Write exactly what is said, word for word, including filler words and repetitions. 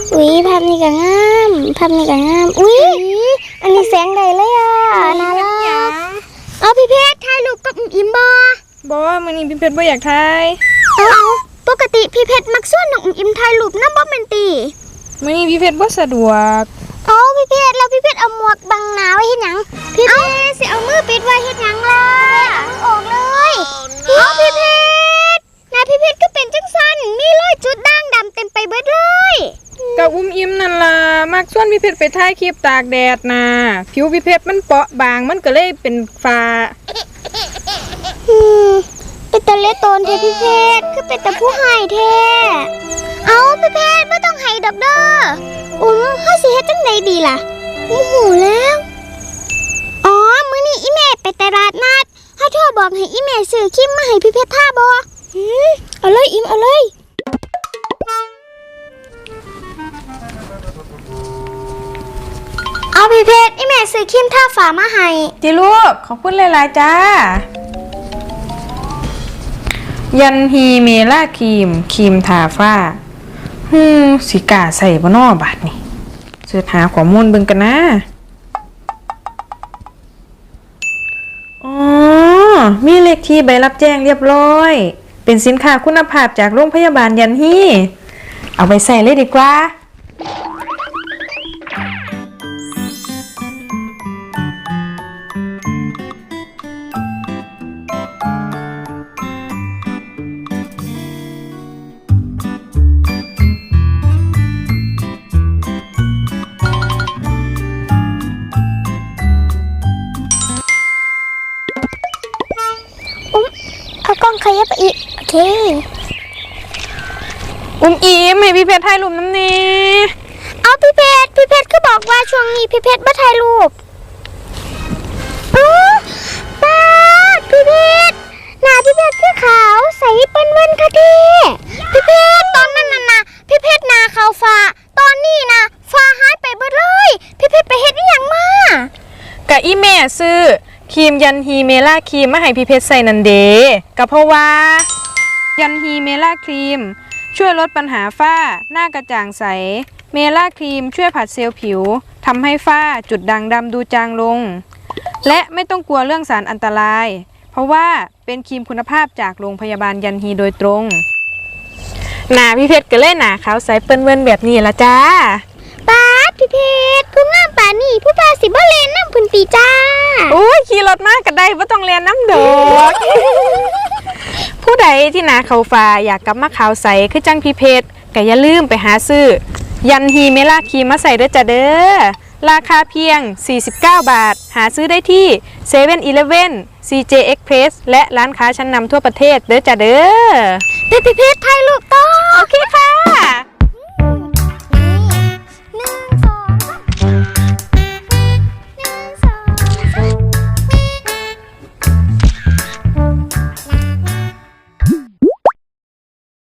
อุ้ยภาพนี้ก็งามภาพนี้ก็งามอุ้ยอันนี้แสงใดเลยอ่ะน่ารักเอาพี่เพชรถ่ายรูปกับอิมบอบอมื้อนี้พี่เพชรบ่อยากถ่ายเอาปกติพี่เพชรมักส่วนน้องอิมถ่ายรูปนำบ่แม่นติมื้อนี้พี่เพชรบ่สะดวกเอาพี่เพชรแล้วพี่เพชรเอาหมวกบังหน้าไว้เฮ็ดหยังพี่เพชรสิเอามือปิดไว้เฮ็ดหยังล่ะเอาออกเลยเอาพี่เพชรหน้าพี่เพชรก็เป็นจังซั่นมีรอยจุดด่างดำเต็มไปเบิดเลยกับอุ้มอิ่มนั่นล่ะมักส่วนพี่เพชรไปถ่ายคลิปตากแดดน่ะผิวพี่เพชรมันเปราะบางมันก็เลยเป็นฝ้าอืมเป็นตะเละตนเทพี่เพชรคือเป็นตะผู้ให้แท้เอาพี่เพชรไม่ต้องให้ดอกเด้ออุ้มเฮาสิเฮ็ดจังไดดีล่ะโอ้โหแล้วอ๋อมื้อนี้อีแม่ไปตลาดนัดเฮาโทรบอกให้อีแม่ซื้อครีมมาให้พี่เพชรทาบ่อือเอาเลยอิมเอาเลยเอาพี่เพชรอีแม่ซื้อครีมทาฝ้ามาให้จิลูกขอบคุณหลายๆจ้ายันฮีเมล่าครีมครีมทาฝ้าฮึมสิกาใส่บ่น้อบาดนี่เสิร์ชหาข้อมูลเบิ่งกันนะอ๋อมีเลขที่ใบรับแจ้งเรียบร้อยเป็นสินค้าคุณภาพจากโรงพยาบาลยันฮีเอาไปใส่เลยดีกว่าเอากล้องขยับไปอีกโอเคอุ้มอิมให้พี่เพชรถ่ายรูปน้ำนี้เอาพี่เพชรพี่เพชรก็บอกว่าช่วงนี้พี่เพชรไม่ถ่ายรูปอ๋อป้าพี่เพชรหน้าพี่เพชรคือขาวใสเปิ้นเวินค่ะทีพี่เพชรตอนนั้นน่ะนะพี่เพชรหน้าขาวฟ้าตอนนี้นะฟ้าหายไปเบิดเลยพี่เพชรไปเฮ็ดอีหยังมากะอีแม่ซื้อครีมยันฮีเมล่าครีมมาให้พี่เพชรใส่นันเดก็เพราะว่ายันฮีเมล่าครีมช่วยลดปัญหาฝ้าหน้ากระจ่างใสเมล่าครีมช่วยผัดเซลล์ผิวทำให้ฝ้าจุดด่างดำดูจางลงและไม่ต้องกลัวเรื่องสารอันตรายเพราะว่าเป็นครีมคุณภาพจากโรงพยาบาลยันฮีโดยตรงหน้าพี่เพชรก็เลยหน้าขาวใสเปิ้นเวินแบบนี้ละจ้าป้าพี่เพชรผู้งามป่านี่ผู้ป้าสิบ่เลนน้ำพุ่นตีจ้าโอ้ยขี่รถมากก็ได้บ่ต้องเรียนน้ำดอกผู้ใดที่หนาขาวฟ้าอยากกลับมาขาวใสคือจังพี่เพชรก็อย่าลืมไปหาซื้อยันฮีเมล่าครีมมาใส่ด้วยจ้ะเด้อราคาเพียงสี่สิบเก้าบาทหาซื้อได้ที่ เซเว่น อีเลฟเว่น ซี เจ Express และร้านค้าชั้นนำทั่วประเทศเด้อจ้ะเด้อพี่เพชรถ่ายรูปต่อ